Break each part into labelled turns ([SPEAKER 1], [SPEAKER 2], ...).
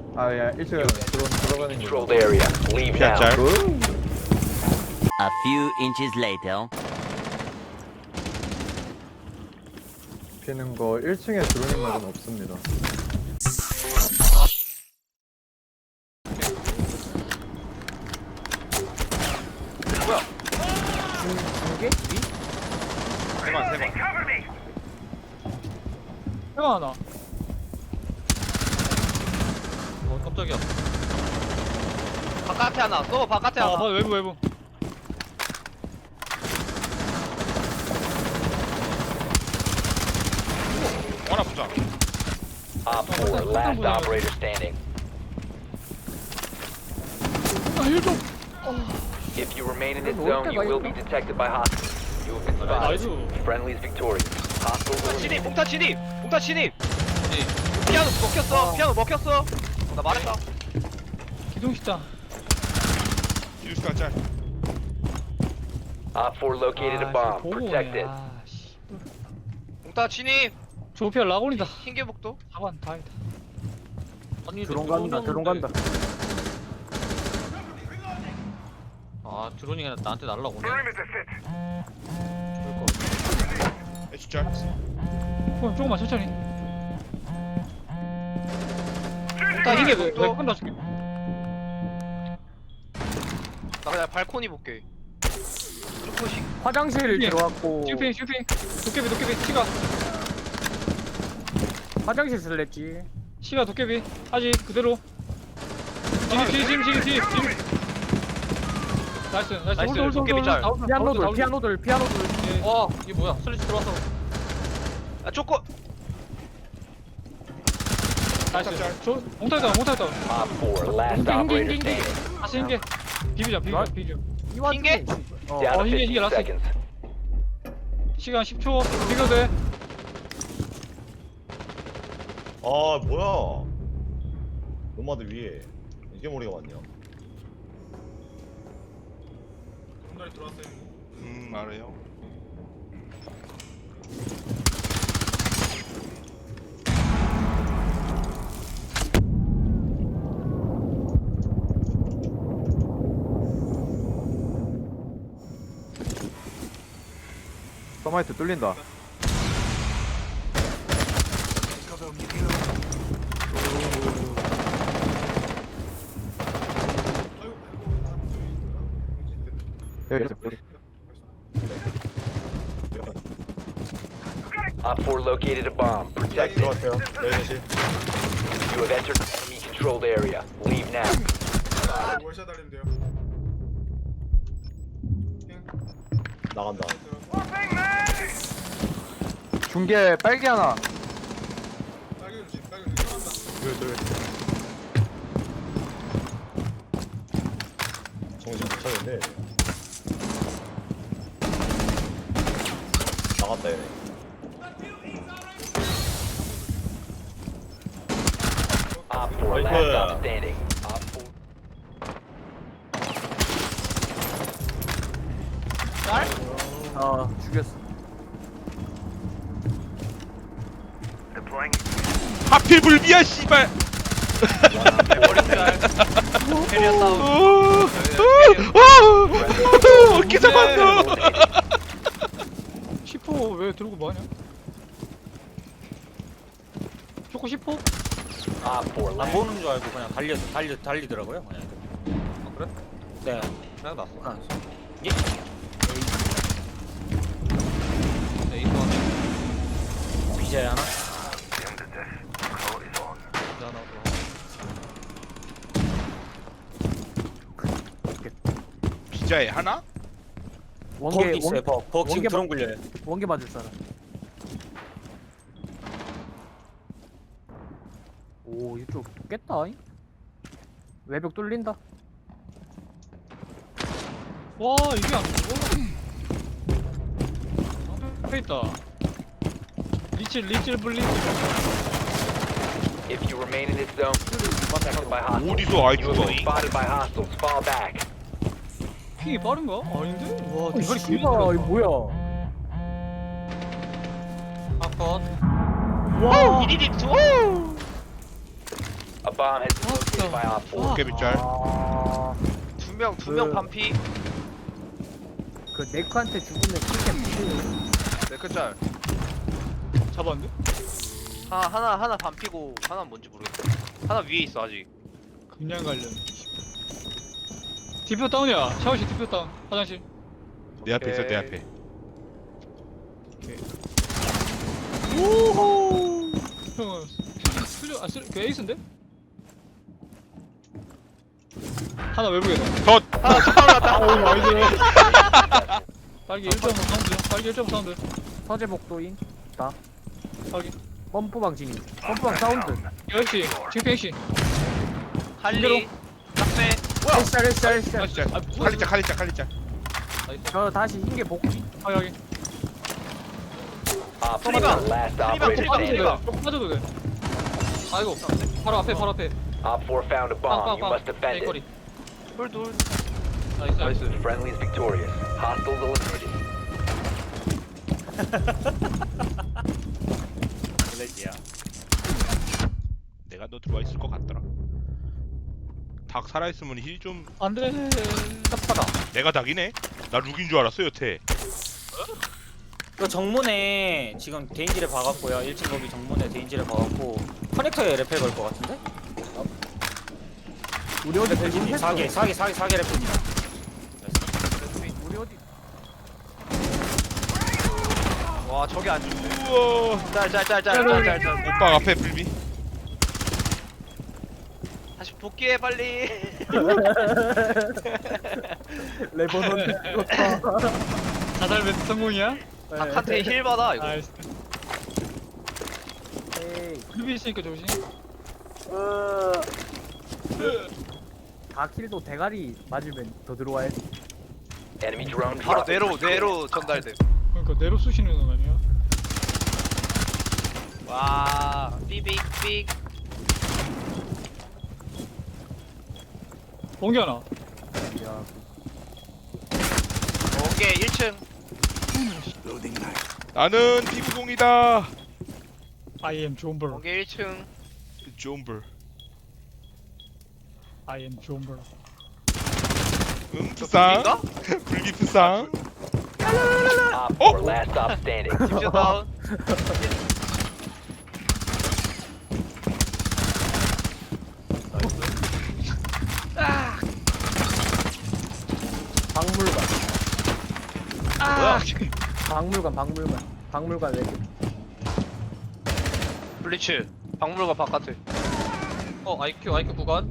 [SPEAKER 1] 아야 1층 드론 들어가는 거.
[SPEAKER 2] Controlled area. Leave now.
[SPEAKER 3] 짤.
[SPEAKER 4] A few inches later.
[SPEAKER 1] 피는 거 1층에 드론인 말은 없습니다.
[SPEAKER 5] 중계? 위?
[SPEAKER 3] 세번
[SPEAKER 5] 해가 하나. 깜짝이야.
[SPEAKER 6] 바깥에 하나. 또 바깥에 하나.
[SPEAKER 5] 맞아, 외부.
[SPEAKER 3] 하나 붙자.
[SPEAKER 2] Op 4, last operator standing.
[SPEAKER 5] 힐 좀.
[SPEAKER 2] If you remain in this zone, you will be detected by hostiles. You have been spotted.
[SPEAKER 5] 나이스.
[SPEAKER 2] Friendly is victorious. Hostiles
[SPEAKER 6] 진입,
[SPEAKER 2] eliminated.
[SPEAKER 6] 봉타 진입, 봉타 진입. 피아노 먹혔어, 피아노 먹혔어. 나 말했다.
[SPEAKER 5] 기둥식당.
[SPEAKER 3] 유스카 짤.
[SPEAKER 2] Op 4 located a bomb. Protect it.
[SPEAKER 5] 씨.
[SPEAKER 6] 봉타 진입.
[SPEAKER 5] 조피아 라곤이다.
[SPEAKER 6] 흰개복도.
[SPEAKER 5] 4번 다행이다. 아니,
[SPEAKER 7] 드론 간다.
[SPEAKER 5] 아, 드론이 그냥 나한테 날라오네.
[SPEAKER 3] 애쉬 짤.
[SPEAKER 5] 조금만 천천히.
[SPEAKER 6] 봉타 흰개복도.
[SPEAKER 5] 끈다 줄게.
[SPEAKER 6] 나 그냥 발코니 볼게. 조금씩.
[SPEAKER 7] 화장실
[SPEAKER 5] 예.
[SPEAKER 7] 들어왔고
[SPEAKER 5] 슈핑. 도깨비, 시가.
[SPEAKER 7] 화장실 쓸랬지.
[SPEAKER 5] 시가 도깨비. 아직 그대로. 진입. 나이스. 홀드.
[SPEAKER 6] 도깨비 짤.
[SPEAKER 7] 피아노들.
[SPEAKER 5] 와, 이게 뭐야? 슬리치 들어왔어.
[SPEAKER 6] 아 쪼꼬.
[SPEAKER 5] 나이스. 몽타했다.
[SPEAKER 2] Op 4, last operator standing.
[SPEAKER 5] 다시 흰개. 비비자.
[SPEAKER 6] 흰개?
[SPEAKER 2] Down to
[SPEAKER 5] 흰개
[SPEAKER 2] 15
[SPEAKER 5] 라스트.
[SPEAKER 2] seconds.
[SPEAKER 5] 시간 10초. 비벼도 돼.
[SPEAKER 8] 아 뭐야 노마드 위에 이게 머리가 맞냐.
[SPEAKER 3] 알아요.
[SPEAKER 1] 서마이트 뚫린다. 여기
[SPEAKER 2] Op 4 located a bomb. Protect it.
[SPEAKER 8] 들어왔어요. 내리시.
[SPEAKER 2] You have entered enemy controlled area. Leave now.
[SPEAKER 8] 나간다.
[SPEAKER 1] 중계 빨개 하나.
[SPEAKER 8] 둘. 정신 못 차리는데. 나갔다 얘네.
[SPEAKER 2] Op 4 last stop standing. Op 4.
[SPEAKER 7] 죽였어.
[SPEAKER 3] 하필 불비야 씨발.
[SPEAKER 6] 캐리어 싸움.
[SPEAKER 3] 어떻게 잡았어?
[SPEAKER 5] 10호 왜 들고 뭐하냐? 초코 10호?
[SPEAKER 2] Op 4
[SPEAKER 9] 안
[SPEAKER 2] last.
[SPEAKER 9] 보는 줄 알고 그냥 달리더라고요. 그냥.
[SPEAKER 6] 아, 그래?
[SPEAKER 9] 네.
[SPEAKER 6] 그냥 났어.
[SPEAKER 9] 아,
[SPEAKER 6] 예. 에이스 하나.
[SPEAKER 9] BJ 하나.
[SPEAKER 3] 비자에 하나?
[SPEAKER 9] 거기 있어요. 버 지금
[SPEAKER 7] 원개
[SPEAKER 9] 드론 굴려요.
[SPEAKER 7] 원개 맞을 사람. 오 이쪽 깼다. 외벽 뚫린다.
[SPEAKER 5] 와, 이게 안 죽어? 앞에 있다. 리칠 블리즈.
[SPEAKER 2] If you remain in this zone, you will be detected by hostiles.
[SPEAKER 3] 어디서
[SPEAKER 2] You have
[SPEAKER 3] 아이큐가?
[SPEAKER 2] been spotted by hostiles. Fall back.
[SPEAKER 5] 핑이 빠른가? 아닌데? 와,
[SPEAKER 7] 이거
[SPEAKER 5] 대가리
[SPEAKER 7] 씨발 이거 뭐야?
[SPEAKER 5] 아컷.
[SPEAKER 7] 와.
[SPEAKER 6] 이리리 투.
[SPEAKER 2] A bomb has been located by Op 4.
[SPEAKER 3] 깨비 짤.
[SPEAKER 7] 아,
[SPEAKER 6] 두명 반피.
[SPEAKER 7] 그 네크한테 죽으면 킬캠 무시해.
[SPEAKER 6] 네크짤.
[SPEAKER 5] 잡았는데?
[SPEAKER 6] 하나 반피고 하나 뭔지 모르겠어. 하나 위에 있어 아직.
[SPEAKER 5] 그냥 갈려. 디표 다운이야. 샤워실 디표 다운. 화장실.
[SPEAKER 3] 내 앞에 있어 내
[SPEAKER 6] 오케이.
[SPEAKER 3] 앞에.
[SPEAKER 5] 오호. 형, 수저 그 에이스인데? 하나 외부에다.
[SPEAKER 6] 하나 첫 방울 났다.
[SPEAKER 5] 아우 나이스. 빨기 1.5 사운드. 빨기 1.5 사운드.
[SPEAKER 7] 서재복도인 다
[SPEAKER 5] 빨기.
[SPEAKER 7] 펌프방 진입. 펌프방 사운드.
[SPEAKER 5] 역시 징평 씨.
[SPEAKER 6] 할리. 짝배.
[SPEAKER 7] 에이스짤 에이스짤 에이스짤.
[SPEAKER 5] 진짜. 아
[SPEAKER 3] 칼리 짤.
[SPEAKER 5] 나이스.
[SPEAKER 7] 저 다시 흰개 복귀.
[SPEAKER 5] 아 여기.
[SPEAKER 2] Op 4
[SPEAKER 6] 트리방.
[SPEAKER 2] last
[SPEAKER 6] 트리방,
[SPEAKER 2] operator
[SPEAKER 6] 트리방,
[SPEAKER 2] standing.
[SPEAKER 6] 트리방.
[SPEAKER 5] 조금 빠져도 돼. 아이고. 바로 앞에 바로 앞에.
[SPEAKER 2] Op 4 found a bomb. You
[SPEAKER 5] 빵빵빵.
[SPEAKER 2] must defend
[SPEAKER 5] 거리.
[SPEAKER 2] it.
[SPEAKER 6] 돌.
[SPEAKER 5] 나이스.
[SPEAKER 6] 나이스.
[SPEAKER 2] Friendly is victorious. Hostiles eliminated.
[SPEAKER 9] 블랙이야.
[SPEAKER 3] 내가 너 들어와 있을 것 같더라. 닭 살아있으면 힐 좀.
[SPEAKER 5] 안돼. 깝하다.
[SPEAKER 3] 내가 닭이네. 나 룩인 줄 알았어 여태.
[SPEAKER 9] 그 정문에 지금 데인지를 박았고요. 1층 거기 정문에 데인지를 박았고 커넥터에 레펠 걸 것 같은데?
[SPEAKER 7] 우리 어디 대신 했어?
[SPEAKER 9] 사계 레펠입니다.
[SPEAKER 7] 우리 어디?
[SPEAKER 6] 와 저기 안 죽네.
[SPEAKER 3] 우와.
[SPEAKER 6] 짤.
[SPEAKER 3] 오빠 앞에 불비.
[SPEAKER 6] 다시 복귀해 빨리.
[SPEAKER 7] 레버넌 좋다.
[SPEAKER 5] 자살 배트 성공이야?
[SPEAKER 6] 닭한테 힐 받아 이거.
[SPEAKER 5] 나이스.
[SPEAKER 7] 에이.
[SPEAKER 5] 루비 있으니까 조심.
[SPEAKER 7] 다킬도 대가리 맞으면 더 들어와야지.
[SPEAKER 2] Enemy drone
[SPEAKER 6] 바로
[SPEAKER 2] dropped.
[SPEAKER 6] 뇌로 전달돼.
[SPEAKER 5] 그러니까 내로 쑤시는 건 아니야?
[SPEAKER 6] 와 삐빅.
[SPEAKER 5] 봉기하나.
[SPEAKER 7] 야,
[SPEAKER 6] 오케이 1층.
[SPEAKER 3] 나는 피구공이다.
[SPEAKER 5] I am 존벌.
[SPEAKER 6] 오케이 1층.
[SPEAKER 3] 존블.
[SPEAKER 5] I am 존벌.
[SPEAKER 3] 응 부상.
[SPEAKER 6] 불비인가?
[SPEAKER 3] 불비 부상.
[SPEAKER 2] Op 4 last stop standing.
[SPEAKER 6] 집중 다운.
[SPEAKER 7] 박물관.
[SPEAKER 6] 뭐야?
[SPEAKER 7] 박물관 왜?
[SPEAKER 6] 블리츠. 박물관 바깥에.
[SPEAKER 5] IQ 구간.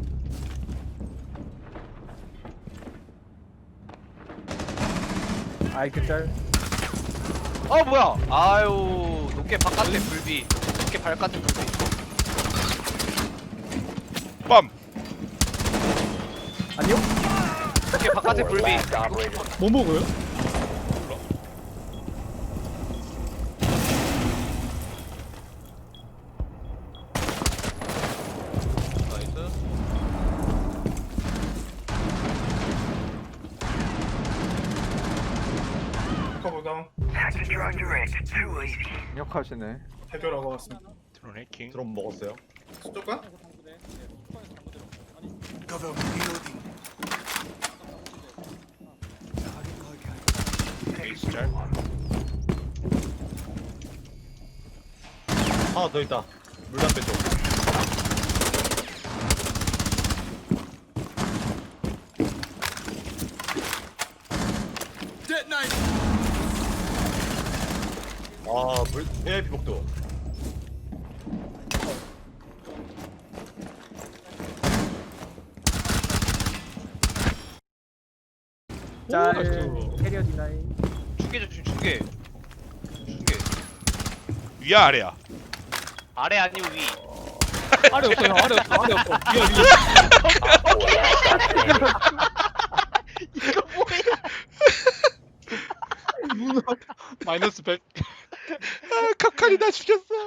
[SPEAKER 7] 아이큐 짤.
[SPEAKER 6] 뭐야? 아유 높게 바깥에 불비. 높게 바깥에 불비.
[SPEAKER 3] 빰.
[SPEAKER 7] 안녕?
[SPEAKER 6] 높게 바깥에
[SPEAKER 2] 4
[SPEAKER 6] 불비.
[SPEAKER 2] last operator.
[SPEAKER 5] 뭐 먹어요? 나이스.
[SPEAKER 1] 강력하시네.
[SPEAKER 8] 해결하고 왔습니다.
[SPEAKER 3] 드론 해킹.
[SPEAKER 8] 드럼 먹었어요? 수족관?
[SPEAKER 3] 에이스 짤.
[SPEAKER 8] 하나 더 있다. 물담배 쪽. VIP 복도.
[SPEAKER 7] 짤.
[SPEAKER 5] 나이스.
[SPEAKER 7] 캐리어 디나이.
[SPEAKER 6] 중계.
[SPEAKER 3] 위야 아래야.
[SPEAKER 6] 아래 아니고 위.
[SPEAKER 5] 아래 없어 형. 아래 없어. 위야 위.
[SPEAKER 6] 이거 뭐야?
[SPEAKER 5] 마이너스 100.
[SPEAKER 3] 아, 카칼이 나 죽였어.